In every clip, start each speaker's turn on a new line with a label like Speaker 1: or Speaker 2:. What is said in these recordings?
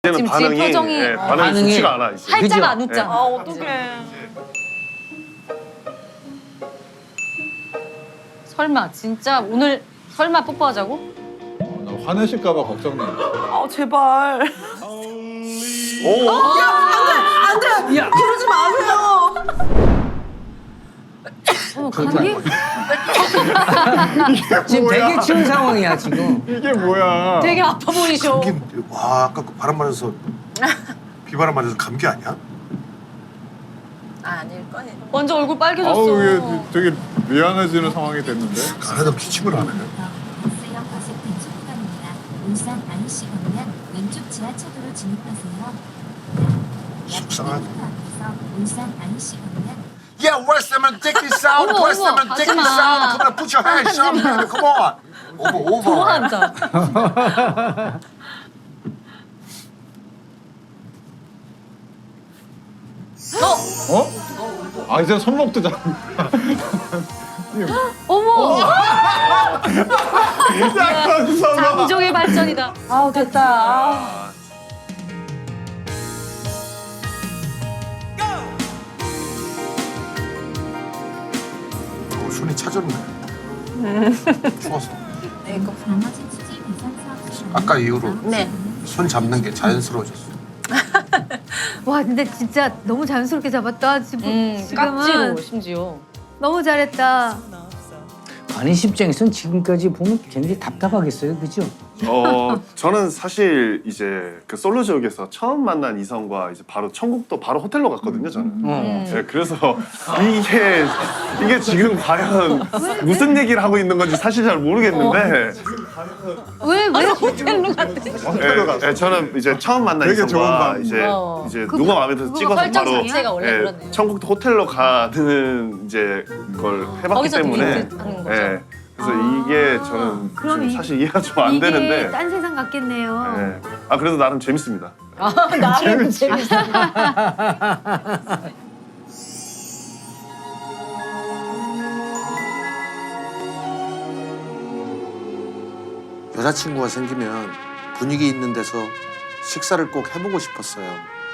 Speaker 1: 지금
Speaker 2: 반응이
Speaker 1: 표정이
Speaker 2: 예, 반응이
Speaker 3: 반응이
Speaker 2: 좋지가 않아 이제.
Speaker 1: 살짝
Speaker 3: 그죠?
Speaker 1: 안 웃잖아.
Speaker 4: 아 어떡해.
Speaker 1: 설마 진짜 오늘 설마 뽀뽀하자고?
Speaker 5: 나 화내실까봐 걱정돼.
Speaker 4: 아 제발.
Speaker 2: 오.
Speaker 3: 야,
Speaker 4: 그러지 마세요.
Speaker 1: 어머 감기?
Speaker 3: 지금 되게 추운 상황이야 지금.
Speaker 5: 이게 뭐야?
Speaker 1: 되게 아파 보이셔.
Speaker 6: 와 아까 그 바람 맞아서 비바람 맞아서 감기 아니야?
Speaker 4: 아닐 거예요.
Speaker 1: 완전 얼굴 빨개졌어.
Speaker 5: 아우 이게 되게 미안해지는 상황이 됐는데.
Speaker 6: 안하다 기침을 안 해.
Speaker 7: 버스역 버스停출구입니다. 울산 안시 방면 왼쪽 지하철도로 진입하세요.
Speaker 6: 속상하다.
Speaker 7: 앞에서 울산 안시 방면
Speaker 6: Yeah, West Ham, take this out.
Speaker 1: 어머,
Speaker 6: West Ham,
Speaker 1: 어머,
Speaker 6: take this
Speaker 1: 하지 마.
Speaker 6: out. Come on, put your hands up, man. Come on. over.
Speaker 1: 좋아한다.
Speaker 5: 어? 아 이제 손목도 잡.
Speaker 1: 어머
Speaker 5: 약간 서봐.
Speaker 1: 장종의 발전이다.
Speaker 4: 아우 됐다. 아.
Speaker 6: 손이 차졌네. 추워서.
Speaker 7: 나머지 취지 배선 사업 중
Speaker 6: 아까 이후로
Speaker 4: 네.
Speaker 6: 손 잡는 게 자연스러워졌어.
Speaker 8: 와 근데 진짜 너무 자연스럽게 잡았다. 지금은
Speaker 1: 깍지로 심지어.
Speaker 8: 너무 잘했다.
Speaker 3: 관희 씨 입장에서는 지금까지 보면 굉장히 답답하겠어요, 그죠?
Speaker 2: 저는 사실 이제 그 솔로 지역에서 처음 만난 이성과 이제 바로 천국도 바로 호텔로 갔거든요, 저는. 네, 그래서 이게 지금 과연 무슨 얘기를 하고 있는 건지 사실 잘 모르겠는데.
Speaker 8: 왜
Speaker 1: 호텔로 갔대.
Speaker 2: 네, 저는 이제 처음 만난
Speaker 5: 되게 좋은
Speaker 2: 이성과
Speaker 5: 방법.
Speaker 2: 이제 누가 마음에 들어서
Speaker 1: 그거
Speaker 2: 찍어서
Speaker 1: 설정
Speaker 2: 바로
Speaker 1: 자체가 원래 그렇네.
Speaker 2: 천국도 호텔로 가는 이제 걸 해봤기
Speaker 1: 거기서
Speaker 2: 때문에.
Speaker 1: 데이트 하는 거죠.
Speaker 2: 네, 그래서 이게 저는
Speaker 8: 그럼
Speaker 2: 좀
Speaker 8: 이-
Speaker 2: 사실 이해가 좀 안
Speaker 8: 이게
Speaker 2: 되는데.
Speaker 8: 딴 세상 같겠네요.
Speaker 2: 네. 아 그래도 나름 재밌습니다.
Speaker 1: 나름 재밌어.
Speaker 6: 여자친구가 생기면 분위기 있는 데서 식사를 꼭 해보고 싶었어요.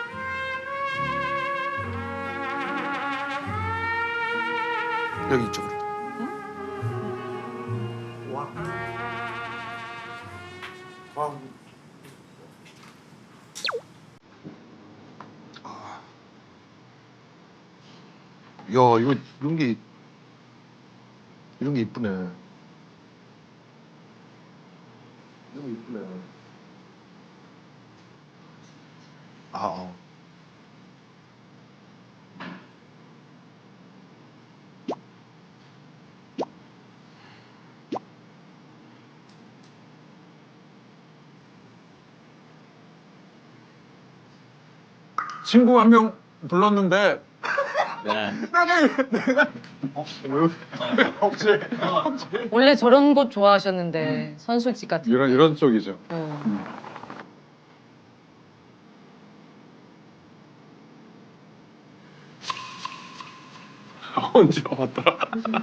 Speaker 6: 여기 이쪽으로. 야, 이거 이런 게 이쁘네. 너무 이쁘네. 아.
Speaker 5: 친구 한 명 불렀는데.
Speaker 3: 네.
Speaker 5: 혹시
Speaker 1: 원래 저런 곳 좋아하셨는데 선술집 같은.
Speaker 5: 이런 쪽이죠.
Speaker 2: 언제 와봤더라?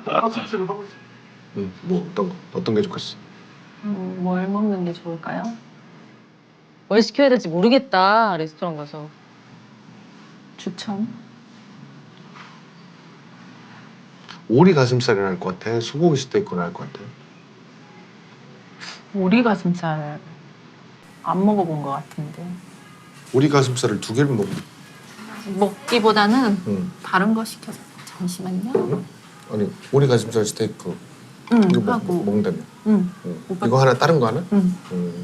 Speaker 6: 뭐 어떤 게 좋겠어?
Speaker 4: 뭘 먹는 게 좋을까요?
Speaker 1: 뭘 시켜야 될지 모르겠다 레스토랑 가서.
Speaker 4: 추천.
Speaker 6: 오리 가슴살이 나을 것 같아. 소고기 스테이크 나을 것 같아.
Speaker 4: 오리 가슴살 안 먹어본 것 같은데.
Speaker 6: 오리 가슴살을 두 개를
Speaker 4: 먹기보다는
Speaker 6: 응.
Speaker 4: 다른 거 시켜서. 잠시만요.
Speaker 6: 아니 오리 가슴살 스테이크
Speaker 4: 응
Speaker 6: 이거
Speaker 4: 하고.
Speaker 6: 먹는다며.
Speaker 4: 응.
Speaker 6: 응.
Speaker 4: 오빠-
Speaker 6: 이거 하나 다른 거 하나?
Speaker 4: 응.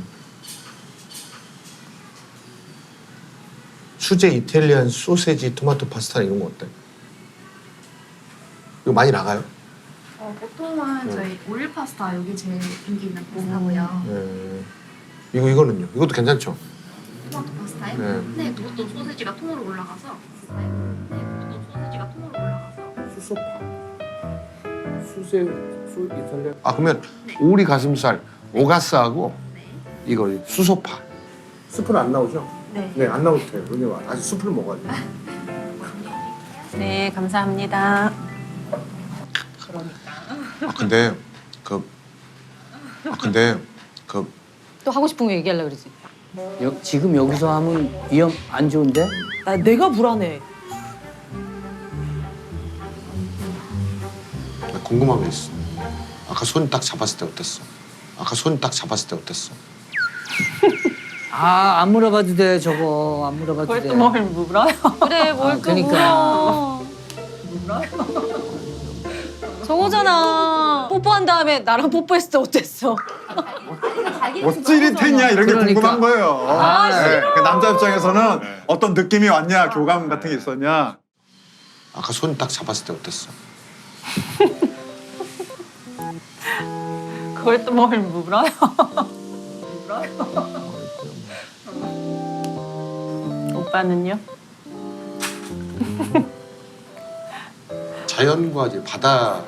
Speaker 6: 수제 이탈리안 소세지 토마토 파스타 이런 거 어때? 이거 많이 나가요?
Speaker 9: 보통은 저희 오일 파스타 여기 제일 인기 있는 파스타고요.
Speaker 6: 이거는요? 이것도 괜찮죠?
Speaker 9: 토마토 파스타요?
Speaker 6: 네.
Speaker 9: 네, 그것도 소세지가 통으로 올라가서. 네, 그것도 소세지가 통으로 올라가서.
Speaker 6: 아 그러면 오리 가슴살 오가스하고 이거 수소파. 수프는 안 나오죠?
Speaker 9: 네.
Speaker 6: 네, 안 나오도 돼요. 왜냐면 아직 수프를 먹어야 돼요.
Speaker 4: 네 감사합니다.
Speaker 6: 아 근데 그
Speaker 1: 또 하고 싶은 거 얘기하려고 그러지.
Speaker 3: 지금 여기서 하면 위험 안 좋은데?
Speaker 4: 나 내가 불안해.
Speaker 6: 나 궁금한 게 있어. 아까 손 딱 잡았을 때 어땠어? 아까 손 딱 잡았을 때 어땠어?
Speaker 3: 아, 안 물어봐도 돼, 저거. 안 물어봐도 돼.
Speaker 4: 뭘 물어요?
Speaker 1: 그래 뭘 또
Speaker 3: 그러니까.
Speaker 1: 물어. 저거잖아. 뽀뽀한 다음에 나랑 뽀뽀했을 때 어땠어?
Speaker 5: 뭐 찌릿했냐 이런 게
Speaker 3: 그러니까.
Speaker 5: 궁금한 거예요.
Speaker 3: 아,
Speaker 5: 네. 그 남자 입장에서는 어떤 느낌이 왔냐, 교감 같은 게 있었냐.
Speaker 6: 아까 손 딱 잡았을 때 어땠어?
Speaker 4: 그걸 또 뭘 물어요? 오빠는요?
Speaker 6: 자연과 이제 바다,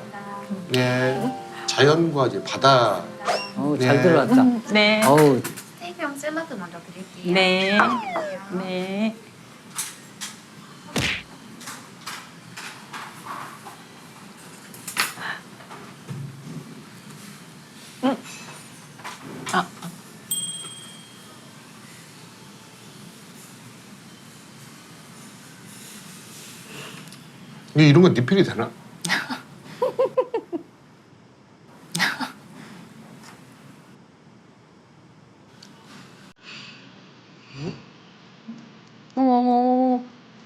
Speaker 6: 자연과 이제 바다.
Speaker 3: 잘 들어왔다.
Speaker 4: 네.
Speaker 3: 어우,
Speaker 9: 스테이크용 샐러드 먼저 드릴게요.
Speaker 4: 네. 네. 아.
Speaker 6: 근데 이런 건 리필이 되나?
Speaker 1: 어머.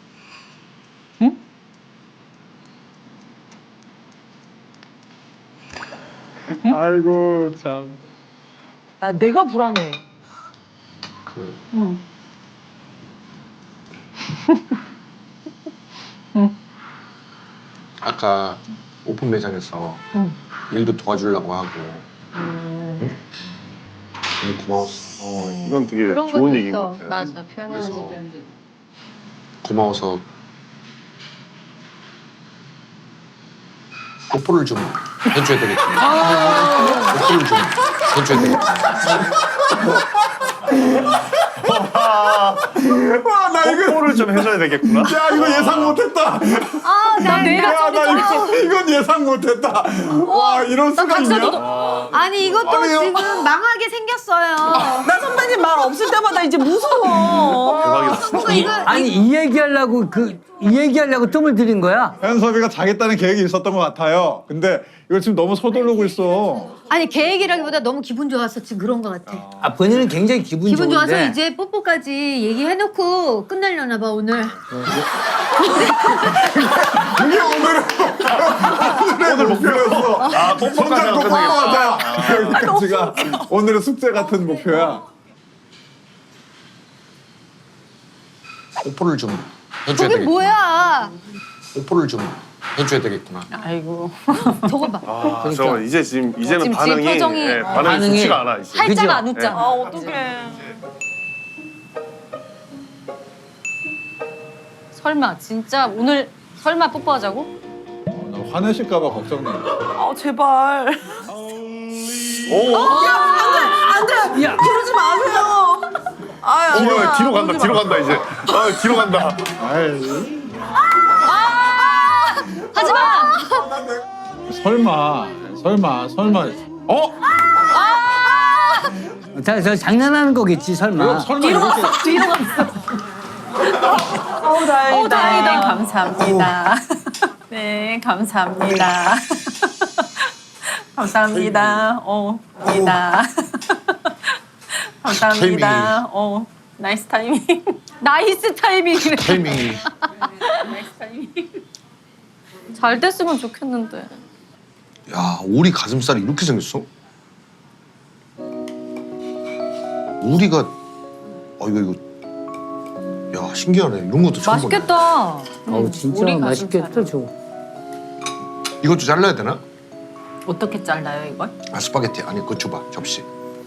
Speaker 5: 아이고 참.
Speaker 4: 나 내가 불안해.
Speaker 6: 그 아까 오픈 매장에서 일도 도와주려고 하고 응? 너무 고마웠어.
Speaker 2: 이건 되게
Speaker 1: 그런
Speaker 2: 좋은
Speaker 1: 것도
Speaker 2: 얘기인 것
Speaker 1: 있어.
Speaker 2: 같아요.
Speaker 1: 맞아 표현하는
Speaker 6: 그래서
Speaker 1: 게.
Speaker 6: 고마워서 뽀뽀를 좀 해줘야 되겠구나. 뽀뽀를 좀 해줘야 되겠구나.
Speaker 5: 와, 나 이거
Speaker 2: 뽀뽀를 좀 해줘야 되겠구나.
Speaker 5: 야 이거 예상 못했다.
Speaker 8: 아, 내가
Speaker 5: 야, 나 이건 예상 못했다. 와, 이럴 수가 있냐?
Speaker 8: 아니 이것도
Speaker 5: 아니요.
Speaker 8: 지금 망하게 생겼어요.
Speaker 4: 나 선배님 말 없을 때마다 이제 무서워.
Speaker 2: 대박이다.
Speaker 8: 이거
Speaker 3: 아니, 이 얘기하려고 뜸을 들인 거야?
Speaker 5: 현섭이가 자겠다는 계획이 있었던 것 같아요. 근데 이걸 지금 너무 서두르고 있어.
Speaker 8: 아니 계획이라기보다 너무 기분 좋아서 지금 그런 것 같아.
Speaker 3: 아, 본인은 굉장히 기분
Speaker 8: 기분 좋아서
Speaker 3: 좋은데.
Speaker 8: 이제 뽀뽀까지 얘기해놓고 끝내려나 봐 오늘.
Speaker 5: 그게 오늘의 목표였어.
Speaker 2: 아, 뽀뽀까지
Speaker 5: 손잡고
Speaker 2: 하면
Speaker 5: 뽀뽀하자. 여기까지가 오늘의 숙제 같은 목표야.
Speaker 6: 뽀뽀를 좀 해줘야
Speaker 8: 저게
Speaker 6: 되겠구나.
Speaker 8: 뭐야?
Speaker 6: 뽀뽀를 좀 해줘야 되겠구나.
Speaker 4: 아이고.
Speaker 8: 저거 봐.
Speaker 2: 아, 저 이제 이제는
Speaker 1: 지금
Speaker 2: 반응이
Speaker 1: 표정이,
Speaker 2: 예, 반응이
Speaker 3: 반응이
Speaker 2: 좋지가 않아 이제.
Speaker 1: 팔자가
Speaker 3: 그죠?
Speaker 1: 안 웃잖아.
Speaker 4: 아 어떡해.
Speaker 1: 설마 진짜 오늘 설마 뽀뽀하자고?
Speaker 5: 나 화내실까봐 걱정돼.
Speaker 4: 아 제발.
Speaker 2: 오,
Speaker 3: 야,
Speaker 4: 그러지 마세요. 아
Speaker 2: 뒤로 간다 이제. 아, 뒤로 간다.
Speaker 5: 아이,
Speaker 1: 하지 마.
Speaker 5: 설마. 어?
Speaker 3: 저 장난하는 거겠지, 설마.
Speaker 5: 설마 이렇게.
Speaker 1: 뒤로 갔어.
Speaker 4: 다행이다.
Speaker 1: 다행이다.
Speaker 4: 감사합니다. 네 감사합니다. 감사합니다. 입니다. 감사합니다. 나이스 타이밍.
Speaker 1: 나이스 타이밍이래.
Speaker 6: 타이밍이.
Speaker 4: 나이스 타이밍.
Speaker 1: 잘 됐으면 좋겠는데.
Speaker 6: 야, 오리 가슴살이 이렇게 생겼어? 오리가 이거 야, 신기하네. 이런 것도 처음 보네.
Speaker 1: 맛있겠다.
Speaker 3: 어우, 진짜
Speaker 1: 우리
Speaker 3: 맛있겠다,
Speaker 1: 가슴살.
Speaker 3: 저거.
Speaker 6: 이것도 잘라야 되나?
Speaker 4: 어떻게 잘라요 이걸?
Speaker 6: 아, 스파게티. 아니, 그거 줘봐. 접시.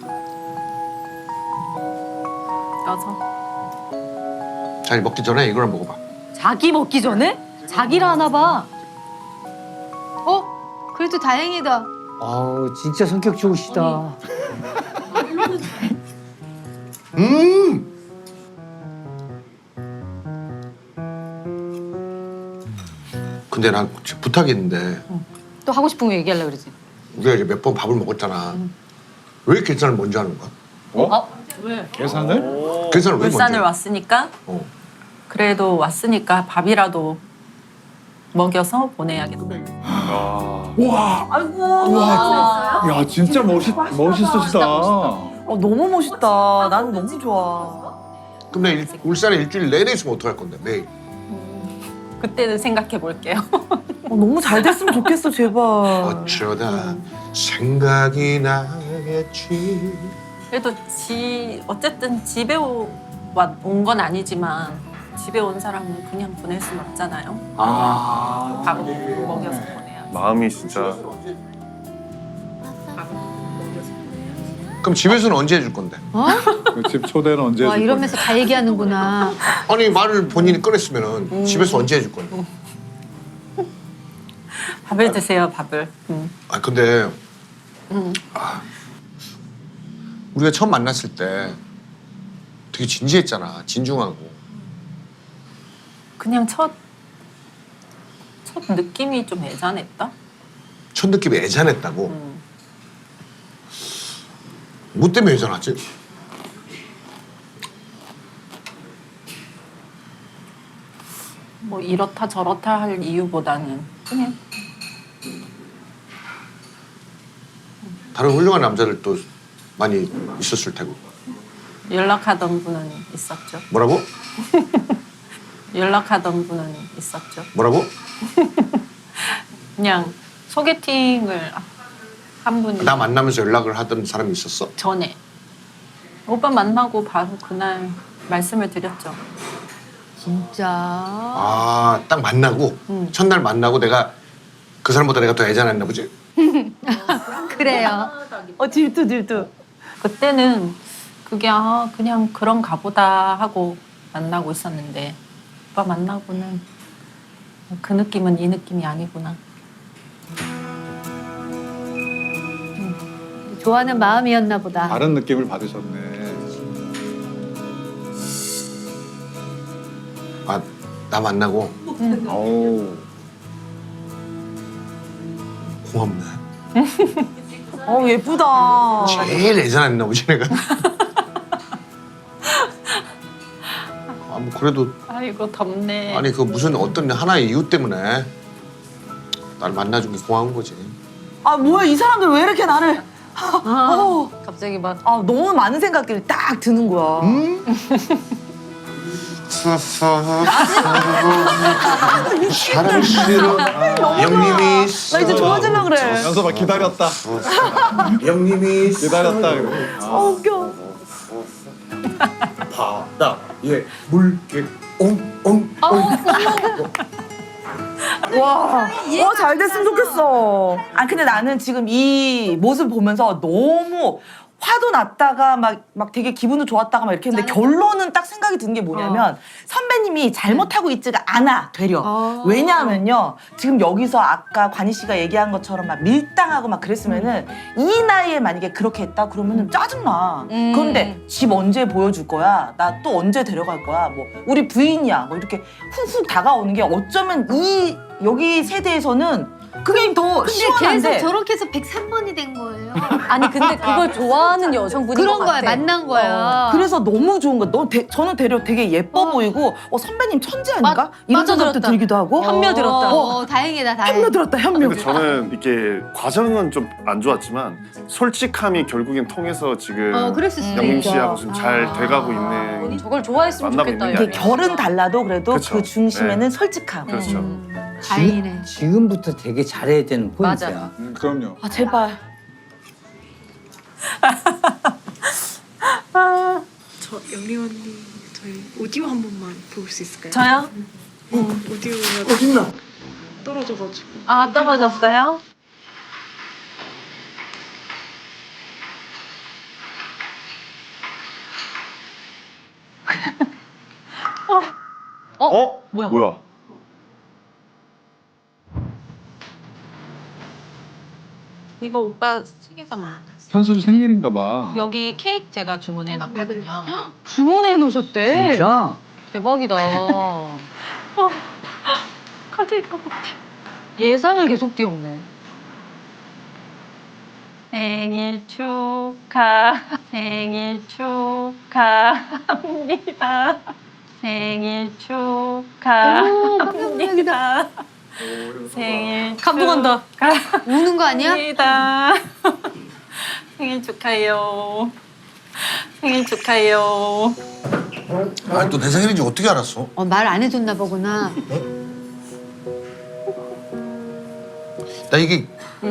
Speaker 4: 떠서.
Speaker 6: 자, 먹기 전에 이걸 한번 먹어봐.
Speaker 1: 자기 먹기 전에? 자기라 하나 봐.
Speaker 8: 그래도 다행이다.
Speaker 3: 아우, 진짜 성격 좋으시다.
Speaker 6: 근데 난 부탁이 있는데
Speaker 1: 또 하고 싶은 거 얘기하려고 그러지.
Speaker 6: 우리가 이제 몇 번 밥을 먹었잖아. 왜 계산을 먼저 하는 거야?
Speaker 4: 왜?
Speaker 5: 계산을?
Speaker 6: 계산을 왜
Speaker 4: 울산을
Speaker 6: 먼저?
Speaker 4: 왔으니까
Speaker 6: 어.
Speaker 4: 그래도 왔으니까 밥이라도 먹여서 보내야겠다.
Speaker 5: 와,
Speaker 4: 아이고.
Speaker 5: 와, 야 진짜 멋있으시다.
Speaker 10: 너무 멋있다. 난 너무 좋아.
Speaker 6: 그럼 나 울산에 일주일 내내 있으면 어떡할 건데 매일?
Speaker 4: 그때는 생각해 볼게요.
Speaker 10: 너무 잘 됐으면 좋겠어, 제발.
Speaker 6: 어쩌다 생각이 나겠지.
Speaker 4: 그래도 어쨌든 집에 온 건 아니지만 집에 온 사람은 그냥 보낼 순 없잖아요.
Speaker 3: 아.
Speaker 4: 밥 먹여서 보내야.
Speaker 2: 마음이 진짜
Speaker 6: 그럼 집에서는 언제 해줄 건데?
Speaker 5: 그집 초대는 언제
Speaker 8: 와
Speaker 5: 해줄
Speaker 8: 이러면서 다 얘기하는구나.
Speaker 6: 아니 말을 본인이 꺼냈으면은 집에서 언제 해줄 건데?
Speaker 4: 밥을 드세요, 밥을.
Speaker 6: 아 근데 우리가 처음 만났을 때 되게 진지했잖아. 진중하고.
Speaker 4: 그냥 첫 느낌이 좀 애잔했다.
Speaker 6: 첫 느낌이 애잔했다고. 뭐 때문에 애잔하지?
Speaker 4: 뭐 이렇다 저렇다 할 이유보다는 그냥
Speaker 6: 다른 훌륭한 남자들도 많이 있었을 테고.
Speaker 4: 연락하던 분은 있었죠.
Speaker 6: 뭐라고?
Speaker 4: 연락하던 분은 있었죠.
Speaker 6: 뭐라고?
Speaker 4: 그냥 소개팅을 한 분이
Speaker 6: 나 만나면서 연락을 하던 사람이 있었어?
Speaker 4: 전에 오빠 만나고 바로 그날 말씀을 드렸죠.
Speaker 8: 진짜.
Speaker 6: 아, 딱 만나고 첫날 만나고 내가 그 사람보다 내가 더 애잔했나 보지?
Speaker 8: 그래요.
Speaker 10: 질투.
Speaker 4: 그때는 그게 그냥 그런가 보다 하고 만나고 있었는데 오빠 만나고는 그 느낌은 이 느낌이 아니구나.
Speaker 8: 좋아하는 마음이었나 보다.
Speaker 5: 다른 느낌을 받으셨네.
Speaker 6: 아, 나 만나고
Speaker 5: 어우.
Speaker 6: 고맙네.
Speaker 10: 예쁘다.
Speaker 6: 제일 애잔했나 보지 내가. 아, 뭐 그래도
Speaker 4: 아이고 덥네.
Speaker 6: 아니 그 무슨 어떤 하나의 이유 때문에 날 만나준 게 고마운 거지.
Speaker 10: 뭐야, 이 사람들 왜 이렇게 나를.
Speaker 1: 갑자기 막
Speaker 10: 너무 많은 생각들이 딱 드는 거야.
Speaker 6: 사랑 싫어. 영님이 있어.
Speaker 10: 나 이제 좋아지려 그래.
Speaker 5: 연서봐 기다렸다.
Speaker 6: 영님이 있어.
Speaker 5: 기다렸다. 이거.
Speaker 10: 웃겨.
Speaker 6: 바다에 물개 옹옹.
Speaker 10: 와, 잘 됐으면 좋겠어. 근데 나는 지금 이 모습 보면서 너무 화도 났다가 막 되게 기분도 좋았다가 막 이렇게 했는데 결론은 딱 생각이 든 게 뭐냐면 선배님이 잘못하고 있지가 않아, 되려. 왜냐하면요. 지금 여기서 아까 관희 씨가 얘기한 것처럼 막 밀당하고 막 그랬으면은 이 나이에 만약에 그렇게 했다 그러면은 짜증나. 그런데 집 언제 보여줄 거야? 나 또 언제 데려갈 거야? 뭐 우리 부인이야. 뭐 이렇게 훅훅 다가오는 게 어쩌면 여기 세대에서는 그게 더
Speaker 8: 근데
Speaker 10: 시원한데.
Speaker 8: 계속 저렇게 해서 103번이 된 거예요.
Speaker 1: 아니 근데 그걸 좋아하는 여성분인
Speaker 8: 그런
Speaker 1: 것
Speaker 8: 거야,
Speaker 1: 같아.
Speaker 8: 만난 거야.
Speaker 10: 그래서 너무 좋은 거야. 저는 되려 되게 예뻐 보이고 선배님 천재 아닌가? 이런 생각도
Speaker 8: 빠져들었다.
Speaker 10: 들기도 하고.
Speaker 1: 현며 들었다.
Speaker 8: 다행이다, 다행.
Speaker 10: 현며 들었다, 현며.
Speaker 2: 근데 저는 이게 과정은 좀 안 좋았지만 솔직함이 결국엔 통해서 지금
Speaker 8: 그랬을 수도
Speaker 2: 영림
Speaker 8: 있죠.
Speaker 2: 씨하고 지금 잘 돼가고 있는
Speaker 1: 저걸 좋아했으면
Speaker 2: 만나고
Speaker 1: 좋겠다.
Speaker 2: 있는
Speaker 10: 이게 결은 달라도 그래도
Speaker 2: 그쵸.
Speaker 10: 그 중심에는
Speaker 2: 네.
Speaker 10: 솔직함.
Speaker 2: 그렇죠.
Speaker 8: 다행이네.
Speaker 3: 지금부터 되게 잘해야 되는 포인트야.
Speaker 1: 맞아.
Speaker 5: 그럼요.
Speaker 10: 제발.
Speaker 9: 저 영림 언니 저희 오디오 한 번만 볼 수 있을까요?
Speaker 4: 저요?
Speaker 9: 오디오가
Speaker 10: 어딨나?
Speaker 9: 떨어져가지고.
Speaker 4: 아 떨어졌어요?
Speaker 2: 뭐야?
Speaker 4: 이거 오빠 시계가
Speaker 5: 현수 생일인가 봐.
Speaker 4: 여기 케이크 제가 주문해 놨거든요.
Speaker 1: 주문해 놓으셨대.
Speaker 3: 진짜?
Speaker 1: 대박이다.
Speaker 4: 카드 이거 봐.
Speaker 1: 예상을 계속 띄웠네.
Speaker 4: 생일 축하합니다. 생일 축하합니다. 생일
Speaker 8: 감동한다. 우는 거 아니야?
Speaker 4: 축하합니다. 생일 축하해요. 생일 축하해요.
Speaker 6: 아니 또 내 생일인지 어떻게 알았어?
Speaker 8: 말 안 해줬나 보구나.
Speaker 6: 나 이게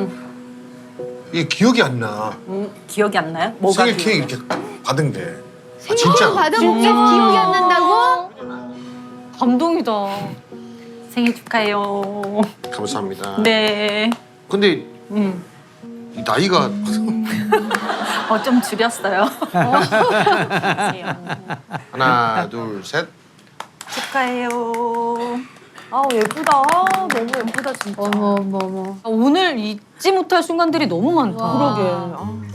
Speaker 6: 기억이 안 나.
Speaker 4: 기억이 안 나요? 뭐가
Speaker 6: 생일 케이크
Speaker 4: 기억이
Speaker 6: 이렇게 받은 게. 아,
Speaker 8: 생일
Speaker 6: 진짜.
Speaker 8: 받아본 게 기억이 안 난다고?
Speaker 1: 감동이다.
Speaker 4: 생일 축하해요.
Speaker 6: 감사합니다.
Speaker 4: 네.
Speaker 6: 근데 이 나이가
Speaker 4: 좀 줄였어요.
Speaker 6: 하나 둘 셋.
Speaker 4: 축하해요.
Speaker 10: 아 예쁘다. 너무 예쁘다 진짜.
Speaker 8: 어머.
Speaker 1: 오늘 잊지 못할 순간들이 너무 많다.
Speaker 10: 그러게. 아.